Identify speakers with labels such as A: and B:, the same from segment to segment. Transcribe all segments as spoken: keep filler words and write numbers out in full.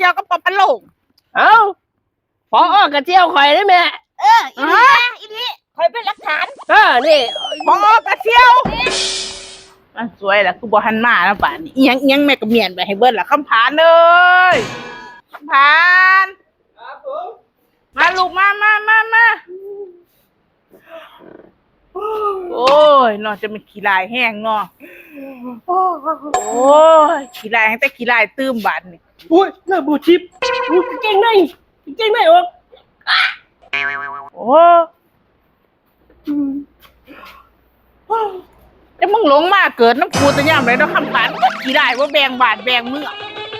A: ชี่ยวก็ปอพันโลง
B: เอ้าพออกระเจียวข่อยได้ไหม
C: เอออีนี่อีนี่คอยเป็นหลักฐาน
B: เออนี่
A: พอกระเชี่ยวมันสวยแหละกูบอกหันมาแล้วป่านนี้ยังยังแม่กระเมียนไปให้เบิ้ลละคำผานเลยคำผานมาลูกมามามามาโอ้ยนอนจะเป็นขี้ลายแห้งเนาะโอ้ยขี้ลายแห้งแต่ขี้ลายตื้มบานนี่
B: อุ้ยหน้าบูชิปอุ้ยเก่งในเก่งในออก
A: โอ้จะมึงหลงมาเกิดน้ำคูตะย่ำเลยต้องคำผานขี้ลายว่าแบงบาดแบงเมื่อ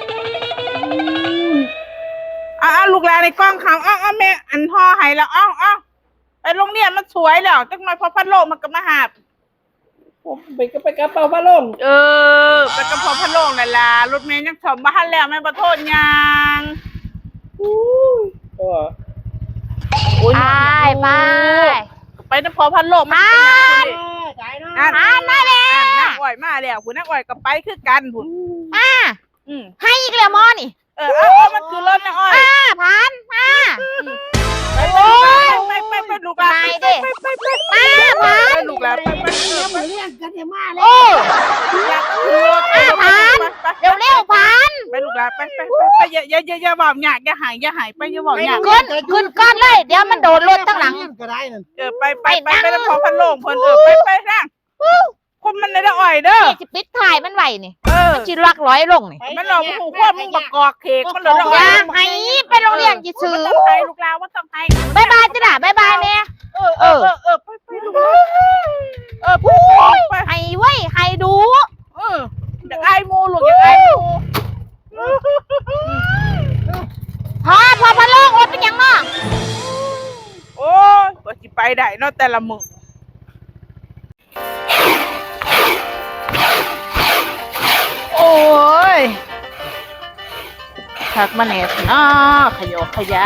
A: อ้าวลูกหลานในกล้องเขาอ้าวแม่อันพ่อให้แล้วอ้าวอ้าวไปโรงเรียนมันสวยแล้วจังหน่อยพอพัดโลกมันก็มาหา
B: ผมไปก็ไปกระเป๋าพัดลม
A: เออไปกระเพาะพัดโลกนั่นล่ะรถเมย์ยังชมบ้านแล้วแม่ประโทษยัง
B: อู้
A: ย
C: ไปไป
A: ไปน้ำพอพัดโลก
C: มา
A: อ่านมาแล้วนักอ่อยมาแล้วคุณนักอ่อยก็ไปคือกันผุน
C: อ่าให้อีกแล้วมอนี่
A: เออเอามันคือรถนักอ่อย
C: อ่าผ่านมา
A: ไปไปไปไปลูกหลาน
C: ไปดิ
A: ไปไป
C: มาผ่าน
A: ลูกหลานไปไป
C: มาเรียกกันอย่ามาเลยโอ้ผ่านเร็วเร็วผ่าน
A: ไปลูกหลานไปไปไปอย่าอย่าอย่าอย่าบอกหยาดอย่าหายอย่าหายไปอย่าบอกหยาด
C: ขึ้นขึ้นก้อนเลยเดี๋ยวมันโดนรถตั้งหลัง
A: เออไปไปไปไปน้ำพอพัดโลกเพิ่นเออไปไปนั่งคนมันได้อ่อยเด้อ
C: จะปิดถ่ายมันไหวนี่
A: มัน
C: จีรักร้อยลงนี่
A: มันหลอกหูควบมึงบักกอกเขกมันหลอก
C: ยามให้ไปโรงเรียนจีซื้อ
A: ต้องให้ลูกลาว่าต้องให้
C: บายบายจ้ะบายบายแม่
A: เออเออเออไปไปลูกเออพูดไป
C: ให้ไว้ให้ดู
A: เอออยากไอ้มูลูกอยากไอ้มู
C: พอพอพอโลกรถเป็นยังเนาะ
A: โอ้ยว่าสิไปได้เนาะแต่ละมึงโอ้ยทักมาเน็ตเนาะขยะขยะ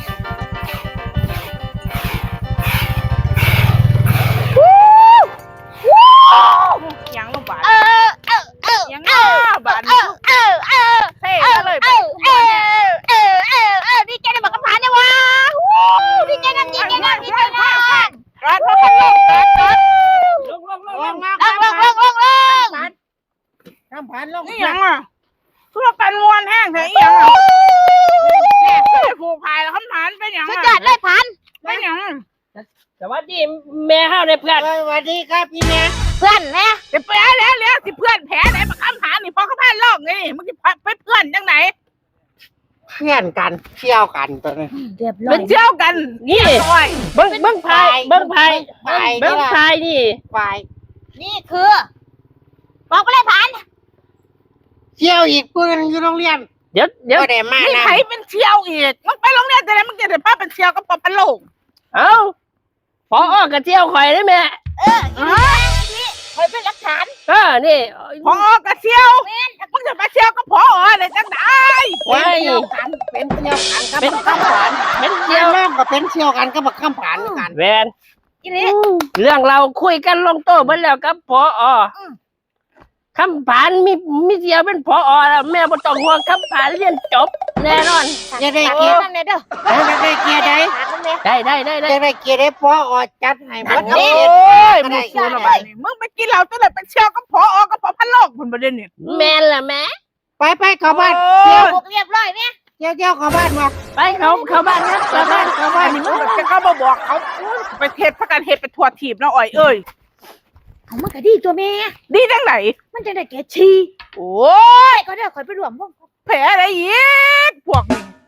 A: ยังลงบาท
C: เออเออเออ
A: ยังบาท
C: เออเออเออ
A: เท่เลย
C: เออเออเออเออเออดีใจได้บอกกับผ่านเนี่ยวะดีใจนั่นดีใจนั่นดีใจนั่น
A: ร้านพ่อพันลงลงลงลงลง
C: ลงลงลงลงลง
A: ทำผ่านลงนี่ยังอ่ะเพื่อกันมวนแห้งเถอะยังอ่ะเนี่ยผูกพายแล้วคำผ่านเป็นยัง
C: สุดยอดเลยผ่าน
A: เป็นยัง
B: สวัสดีแม่เฮาเนี่ยเพื่อน
D: สวัสดีครับพี่แม่
C: เพื่อนแม่
A: เดี๋ยวไปแล้วแล้วสิเพื่อนแผลไหนมาคำผ่านนี่พอเขาผ่านโลกไงมึงจะเป็นเพื่อนยังไง
D: เพื่อนกันเที่ยวกันตัวนี้
C: เรียบร้อย
A: เป็นเที่ยวกัน
B: นี่เบิ้งเบิ้งพายเบิ้งพายเบิ้งพายนี่
D: ไป
C: นี่คือบอกไปเลยผ่าน
D: เที่ยวอีกปืนอยู่โรงเรียน
B: เดี๋ยวเดี๋ยว
A: นี่ใครเป็นเที่ยวอีกมึงไปโรงเรียนแต่ไหนมึงจะได้พาเป็นเที่ยวกับปอพันโลก
B: เอ้าพออกระเจียวข่อยได้ไหม
C: เออนี่คอยเป็นหลักฐาน
B: เออนี่
A: พอกระเที่ยวมึงจะไปเที่ยวกับพออะไรจังได้
D: เป็นเที่ยวกันเป็นเที่ยวกันก็เป็นข้ามผ่าน
B: เป็นเที่ยว
D: น้องก็เป็นเที่ยวกันก็บักข้ามผ่านกัน
B: แวนเรื่องเราคุยกันลงโต๊ะไปแล้วกับพอคำผ่านมีมีเดียวเป็นพอแล้วแม่บ่ต้องห่วงคำผ่านเรียนจบแน่นอน
D: อย่าได้เกียร์
C: นั่นเลยเด้อ
D: อย่าได้เกียร์ได้
B: ได้ได้ได้ได้
D: อย่าได้เกียร์ได้พอจัดให้หมด
A: โอ้ยมึงสู้ละบาดนี้มึงไปกินเหล้าตั้งแต่เป็นเที่ยวกับพอกับพอพันโลกคนประเด็นนี่
B: แม่ล่ะแม่
D: ไปไปเข้าบ้าน
C: เที่ยวเรียบร้อยเนี่ย
D: เที่ยวเที่ยวเข้าบ้านมา
B: ไปเขาเข้าบ้านครับเข้าบ้านเข้าบ้าน
A: นี่มึงจะเข้ามาบอกเขาไปเทศพักการเทศไปทัวร์ทีบนะอ่อยเอ้ย
C: เอามันก็ดีตัวแม่
A: ดีจังไหน
C: มันจะได้แก่ชี
A: โอ้
C: ยก็ได้คอยไปรวมพวก
A: แผลอะไรอีกพวกนี้